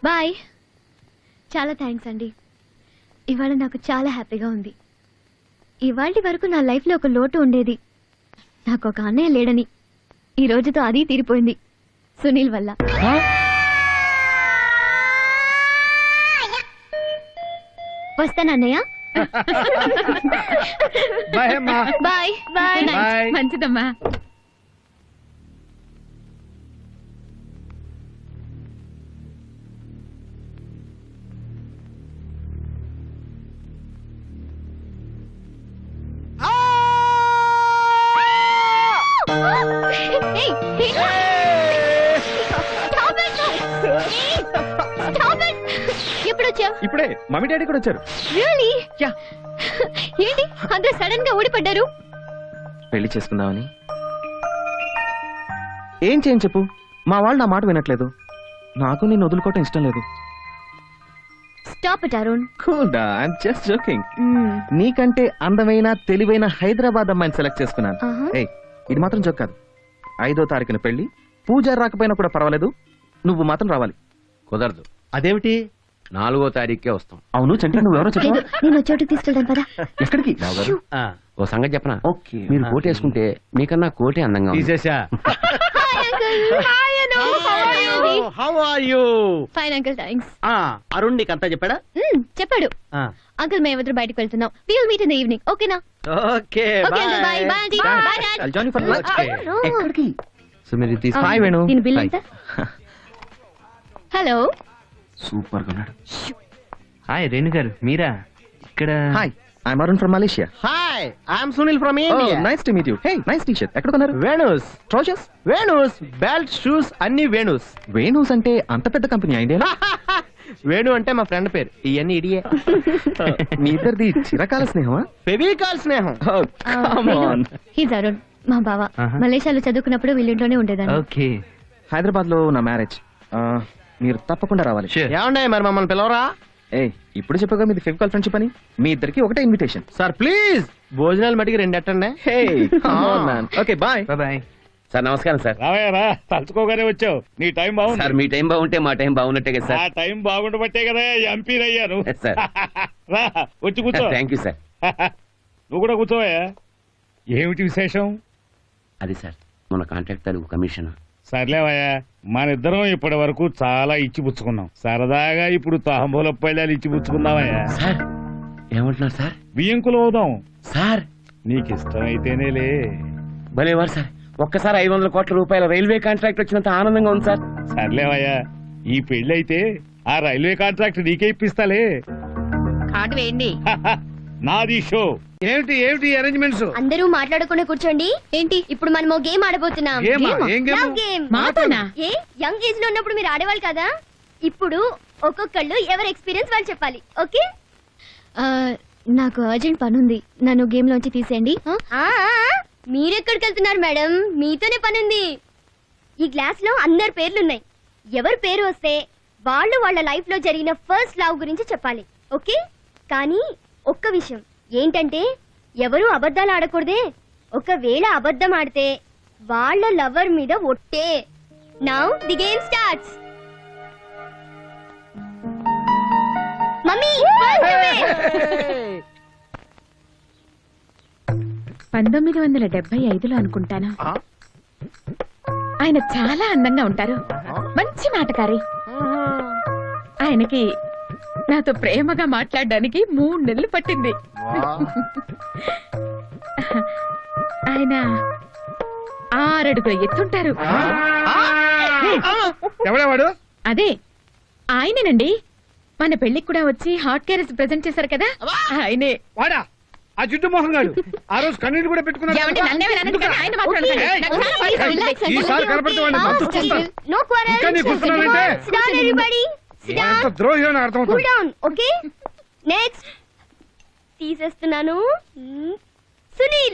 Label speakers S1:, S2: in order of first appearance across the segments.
S1: Bye. చాలా thanks అండి. ఇవాళ నాకు చాలా హ్యాపీగా ఉంది. ఇవాళ వరకు నా లైఫ్లో ఒక లోటు ఉండేది. నాకు ఒక అన్నయ్య లేడని. ఈ రోజుతో అది తీరిపోయింది సునీల్ వల్ల. వస్తానన్నయ్య. Bye bye.
S2: మంచిదమ్మా.
S3: ఇప్పుడే మమ్మీ డాడీ కూడా వచ్చారు.
S1: ఏంటి అందరూ సడన్ గా ఊడిపడ్డారు?
S3: పెళ్లి చేసుకుందామని. ఏం చేయని చెప్పు, మా వాళ్ళు నా మాట వినట్లేదు. నాకు నేను వదులుకోవటం ఇష్టం లేదు.
S1: Stop it Arun.
S3: I'm just joking. నీకంటే అందమైన తెలివైన హైదరాబాద్ అమ్మాయిని సెలెక్ట్ చేసుకున్నాను. ఇది మాత్రం జోక్ కాదు. 5వ తారీఖున పెళ్లి. పూజారి రాకపోయినా కూడా పర్వాలేదు, నువ్వు మాత్రం రావాలి.
S4: కుదరదు.
S5: అదేమిటి?
S4: 4వ తారీఖుకే వస్తాం.
S3: అవును చంటి, నువ్వెవరో చెప్పు.
S1: నేను చోటుకి తీసుకెళ్తాను పదా.
S3: ఎక్కడికి?
S4: ఓ సంగతి చెప్పనా? మీరు కోట్ వేసుకుంటే మీకన్నా కోటే అందంగా ఉంది.
S5: తీసేశా. How are you?
S1: Fine uncle, thanks.
S5: Arun నీకు అంతా చెప్పాడా?
S1: చెప్పాడు. అంకుల్ మేమిద్దరు బయటకు వెళ్తున్నాం. We will meet in the evening. ఓకేనా?
S5: Okay
S1: bye. Bye bye aunty. Bye dad.
S3: I'll join you for lunch. ఎక్కడికి?
S4: సో మీరు తీసుకో.
S3: హాయ్ వేణు.
S1: దీని బిల్ ఎంత? హలో.
S3: సూపర్ గా ఉన్నాడు.
S6: హాయ్ రేణు గారు, మీరా ఇక్కడ?
S3: Hi, I'm Arun from Malaysia.
S5: Hi, I'm Sunil from India.
S3: Nice to meet you. Hey, nice T shirt. ఎక్కడ కొన్నారు?
S5: Venu's
S3: trousers,
S5: Venu's belt, shoes అన్ని వేణుస్.
S3: వేణుస్ అంటే అంత పెద్ద కంపెనీ ఐడియా?
S5: వేణు అంటే మా ఫ్రెండ్ పేరు. ఇవన్నీ ఇడియే.
S3: మీ ఇద్దరిది చిరకాల స్నేహమా?
S5: ఫెవికాల్ స్నేహం.
S1: హీస్ అరుణ్, మా బావ. మలేషియాలో చదువుకున్నప్పుడు వీళ్ళింట్లోనే ఉండేదాన్ని.
S6: ఓకే.
S3: హైదరాబాద్ లో నా మ్యారేజ్. మీరు తప్పకుండా రావాలి.
S5: ఏమండే మరి మమ్మల్ని పిలవరా?
S3: ఇప్పుడు చెప్పగా మీది ఫెవికాల్ ఫ్రెండ్షిప్ అని. మీ ఇద్దరికి ఒకటే ఇన్విటేషన్.
S5: సార్ ప్లీజ్, భోజనాలు మటుకి 2 ఎట్టండి.
S3: Okay bye.
S6: బాయ్.
S4: సార్ నమస్కారం సార్.
S7: రావయ్యారా, తలుచుకోగానే వచ్చావు. నీ టైం బాగుంది
S4: సార్. మీ టైం బాగుంటే మా టైం బాగున్నట్టే కదా సార్.
S7: ఆ టైం బాగుండబట్టే కదా ఎంపీ అయ్యాను.
S4: సార్
S7: రా, వచ్చి కూర్చో.
S4: Thank you sir.
S7: నువ్వు కూడా కూర్చోవయ్యా. ఏమిటి విశేషం?
S4: అది సార్, మన కాంట్రాక్ట్ తాలూకు కమిషన్.
S7: సర్లేవయ్యా, మన ఇద్దరం ఇప్పటి వరకు చాలా ఇచ్చిపుచ్చుకున్నాం. సరదాగా ఇప్పుడు తాంబూల పళ్ళాలు ఇచ్చిపుచ్చుకుందామయ్యా.
S4: సార్ ఏమంటున్నారు సార్?
S7: బియ్యంకులు అవుదాం
S4: సార్.
S7: నీకు ఇష్టమైతేనేలే.
S4: భలేవారు సార్. ఒక్కసారి 500 కోట్ల రూపాయల రైల్వే కాంట్రాక్ట్ వచ్చినంత ఆనందంగా ఉంది సార్.
S7: సర్లేవయ్యా, ఈ పెళ్లి అయితే ఆ రైల్వే కాంట్రాక్ట్ నీకే ఇప్పిస్తాలే.
S2: కార్డు వేయండి.
S7: నాది షో.
S5: ఏమిటి ఏమిటి అరేంజ్మెంట్స్?
S1: అందరూ మాట్లాడకుండా కూర్చోండి. ఏంటి ఇప్పుడు మనం గేమ్ ఆడబోతున్నాం. Love game.
S2: మాతోనా?
S1: యంగ్ ఏజ్ లో ఉన్నప్పుడు మీరు ఆడేవాళ్ళు కదా. ఇప్పుడు ఒక్కొక్కళ్ళు ఎవరి ఎక్స్పీరియన్స్ వాళ్ళు చెప్పాలి. ఓకే? నాకు అర్జెంట్ పని ఉంది, నన్ను గేమ్ లోంచి తీసేయండి. మీరెక్కడికి వెళ్తున్నారు మేడం? మీతోనే పనుంది. ఈ గ్లాస్ లో అందరి పేర్లున్నాయి. ఎవరి పేరు వస్తే వాళ్ళు వాళ్ళ లైఫ్ లో జరిగిన ఫస్ట్ లవ్ గురించి చెప్పాలి. ఓకే? కానీ ఒక్క విషయం ఏంటంటే, ఎవరు అబద్ధాలు ఆడకూడదే. ఒకవేళ అబద్ధం ఆడితే వాళ్ళ లవర్ మీద ఒట్టే. Now the game starts. Mummy
S2: 1975లో అనుకుంటాను. ఆయన చాలా అందంగా ఉంటారు, మంచి మాటకారి. ఆయనకి నాతో ప్రేమగా మాట్లాడడానికి 3 నెలలు పట్టింది. ఆయన 6 అడుగుల ఎత్తుంటారు.
S7: ఎవడేవాడు?
S2: అదే ఆయనేనండి. మన పెళ్లికి కూడా వచ్చి హాట్ క్యారెస్ ప్రెజెంట్ చేశారు కదా, ఆయనే.
S7: వాడా ఆ జుట్టు మోహన్ గారు? ఆ రోజు కన్నీళ్ళు కూడా పెట్టుకున్నాడు. ద్రోహి అని అర్థమవుతుంది.
S1: నెక్స్ట్ తీసేస్తున్నాను. సునీల్.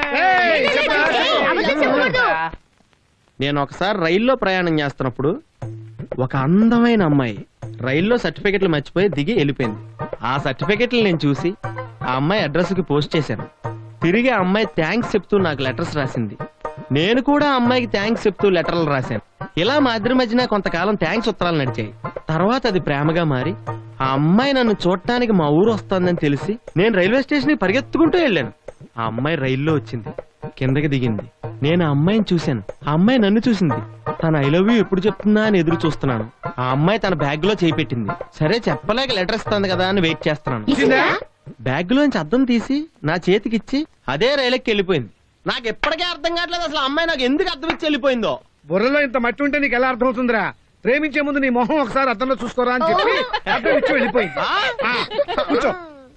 S5: నేను ఒకసారి రైల్లో ప్రయాణం చేస్తున్నప్పుడు ఒక అందమైన అమ్మాయి రైల్లో సర్టిఫికెట్లు మర్చిపోయి దిగి వెళ్ళిపోయింది. ఆ సర్టిఫికెట్లు నేను చూసి ఆ అమ్మాయి అడ్రస్ కి పోస్ట్ చేశాను. తిరిగి ఆ అమ్మాయి థ్యాంక్స్ చెప్తూ నాకు లెటర్స్ రాసింది. నేను కూడా ఆ అమ్మాయికి థ్యాంక్స్ చెప్తూ లెటర్లు రాశాను. ఇలా మా ఇద్దరి మధ్యన కొంతకాలం థ్యాంక్స్ ఉత్తరాలు నడిచాయి. తర్వాత అది ప్రేమగా మారి ఆ అమ్మాయి నన్ను చూడటానికి మా ఊరు వస్తుందని తెలిసి నేను రైల్వే స్టేషన్ కి పరిగెత్తుకుంటూ వెళ్ళాను. ఆ అమ్మాయి రైల్లో వచ్చింది, కిందకి దిగింది. నేను ఆ అమ్మాయిని చూశాను, ఆ అమ్మాయి నన్ను చూసింది. తన ఐ లవ్ యూ ఎప్పుడు చెప్తుందా అని ఎదురు చూస్తున్నాను. ఆ అమ్మాయి తన బ్యాగ్ లో చేయి పెట్టింది. సరే చెప్పలేక లెటర్ ఇస్తుంది కదా అని వెయిట్ చేస్తున్నాను. బ్యాగ్ లోంచి అద్దం తీసి నా చేతికిచ్చి అదే రైలుకి వెళ్ళిపోయింది. నాకు ఎప్పటికే అర్థం కావట్లేదు అసలు ఆ అమ్మాయి నాకు ఎందుకు అర్థం ఇచ్చి వెళ్ళిపోయిందో.
S8: బుర్రలో ఇంత మట్టి ఉంటే నీకు ఎలా అర్థం అవుతుందిరా? ప్రేమించే ముందు నీ మొహం ఒకసారి అద్దంలో చూసుకోరా అని చెప్పి అర్థం ఇచ్చి వెళ్ళిపోయింది. కూర్చో.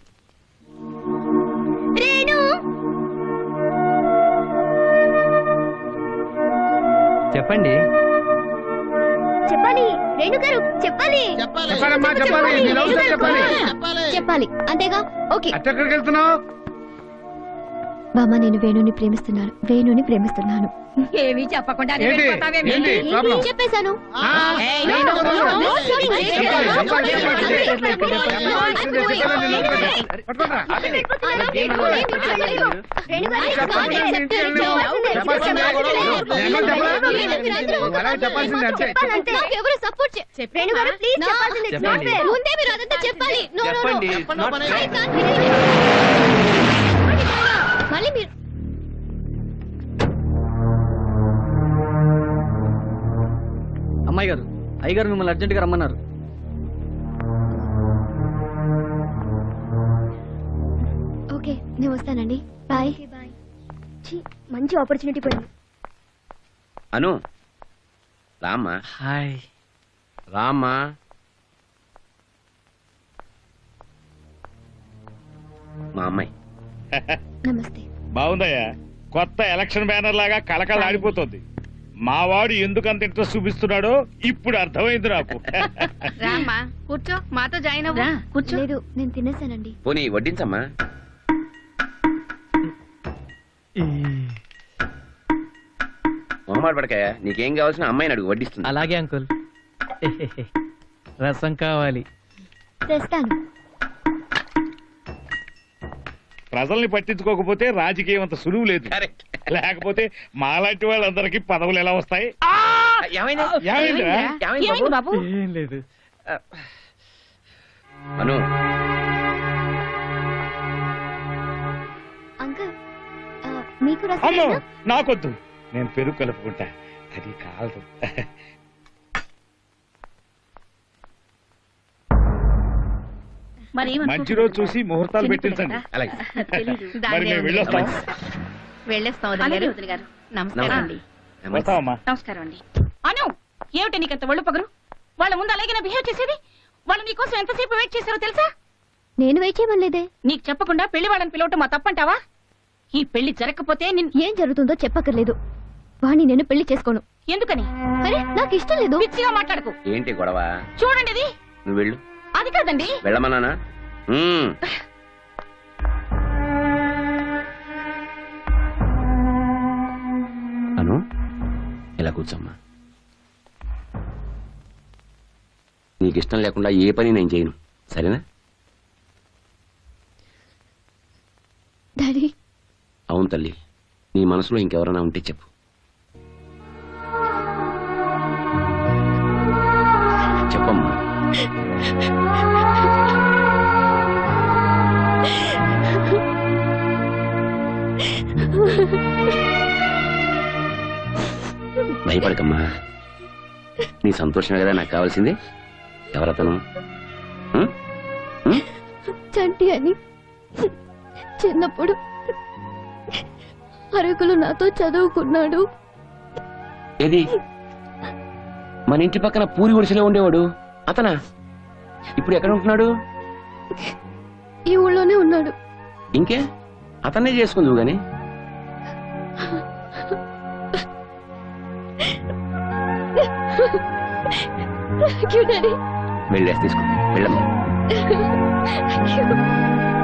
S6: చెప్పండి.
S1: చెప్పాలి రేణు గారు, చెప్పాలి
S8: చెప్పాలమ్మా, చెప్పాలి. నీ లవ్ స్టోరీ చెప్పాలి.
S1: చెప్పాలి అంతేగా? ఓకే.
S8: ఎక్కడికి వెళ్తున్నావు?
S1: బామ్మ, నేను వేణుని ప్రేమిస్తున్నాను.
S2: ఏమీ చెప్పకుండా
S8: ఏంటి ప్రాబ్లం?
S1: చెప్పేశాను. ఎవరు సపోర్ట్ రేణు గారు, ప్లీజ్ చెప్పాల్సింది. ముందే మీరు అదంతా చెప్పాలి. మళ్ళీ మీరు
S6: అమ్మాయి గారు, అయ్యగారు మిమ్మల్ని అర్జెంట్ గా రమ్మన్నారు.
S1: ఓకే, నేను వస్తానండి. బాయ్. మంచి ఆపర్చునిటీ పోయింది.
S4: అను రామ్మా.
S6: హాయ్.
S4: రామ్మా. మా అమ్మాయి.
S1: నమస్తే.
S7: బాగుందయ్యా, కొత్త ఎలక్షన్ బ్యానర్ లాగా కలకల ఆడిపోతుంది. మా వాడు ఎందుకు అంత ఇంట్రెస్ట్ చూపిస్తున్నాడో ఇప్పుడు అర్థమైంది నాకు.
S2: రామ్మా కూర్చో, మాతో జాయిన్ అవ్వు. కూర్చో.
S1: లేదు, నేను తినేసానండి.
S4: పోనీ వడ్డించమ్మా. మొహమాట పడకాయ, నీకేం కావాల్సిన అమ్మాయిని అడుగు, వడ్డిస్తుంది.
S6: అలాగే అంకుల్. రసం కావాలి.
S1: తెస్తాను.
S7: ప్రజల్ని పట్టించుకోకపోతే రాజకీయం అంత సులువు లేదు.
S4: కరెక్ట్.
S7: లేకపోతే మాలాంటి వాళ్ళందరికీ పదవులు ఎలా వస్తాయి? ఏమైందిరా?
S2: ఏమైంది బాబు?
S6: ఏం లేదు.
S4: అను,
S1: అంకుల్, మీకు
S7: అమ్మో
S1: రసం
S7: నాకొద్దు, నేను పెరుగు కలుపుకుంటా, అది కాదు. మంచి రోజు చూసి ముహూర్తాలు పెట్టించండి.
S4: అలాగే.
S7: మరి మేము వెళ్ళొస్తాం.
S2: వెళ్ళేస్తాం గారు. నమస్కారం అండి.
S7: వస్తామమ్మా.
S2: నమస్కారం అండి. అను, ఏమిటి నీకంత ఒళ్ళు పగరు? వాళ్ళ ముందు అలాగే బిహేవ్ చేసేది? వాళ్ళు నీకోసం ఎంతసేపు వెయిట్ చేశారో తెలుసా?
S1: నేను వెయిట్ చేయమనలేదే.
S2: నీకు చెప్పకుండా పెళ్లి వాళ్ళని పిలవటం మా తప్పంటావా? ఈ పెళ్లి జరగకపోతే
S1: ఏం జరుగుతుందో చెప్పక్కర్లేదు. వాణ్ణి నేను పెళ్లి చేసుకోను.
S2: ఎందుకని?
S1: అరే, నాకు ఇష్టం లేదు.
S2: పిచ్చిగా మాట్లాడకు.
S4: ఏంటి గొడవ?
S2: చూడండి, ఇది
S4: నువ్వు వెళ్ళు.
S2: అది కాదండి.
S4: వెళ్ళమన్నానా? అను, ఇలా కూర్చోమ్మా. నీకు ఇష్టం లేకుండా ఏ పని నేను చేయను, సరేనా?
S1: డాడీ.
S4: అవును తల్లి, నీ మనసులో ఇంకెవరైనా ఉంటే చెప్పు. చెప్పమ్మా. భయపడకమ్మా, నీ సంతోషమే కదా నాకు కావాల్సింది. ఎవరతను?
S1: చంటి అని చిన్నప్పుడు అరకులు నాతో చదువుకున్నాడు.
S4: ఏది? మన ఇంటి పక్కన పూరి గుడిసెలో ఉండేవాడు అతనా? ఇప్పుడు ఎక్కడ ఉంటున్నాడు?
S1: ఈ ఊళ్ళోనే ఉన్నాడు.
S4: ఇంకే అతన్నే చేసుకుందువు గాని. వెళ్ళేసి తీసుకో, వెళ్ళమ్మా.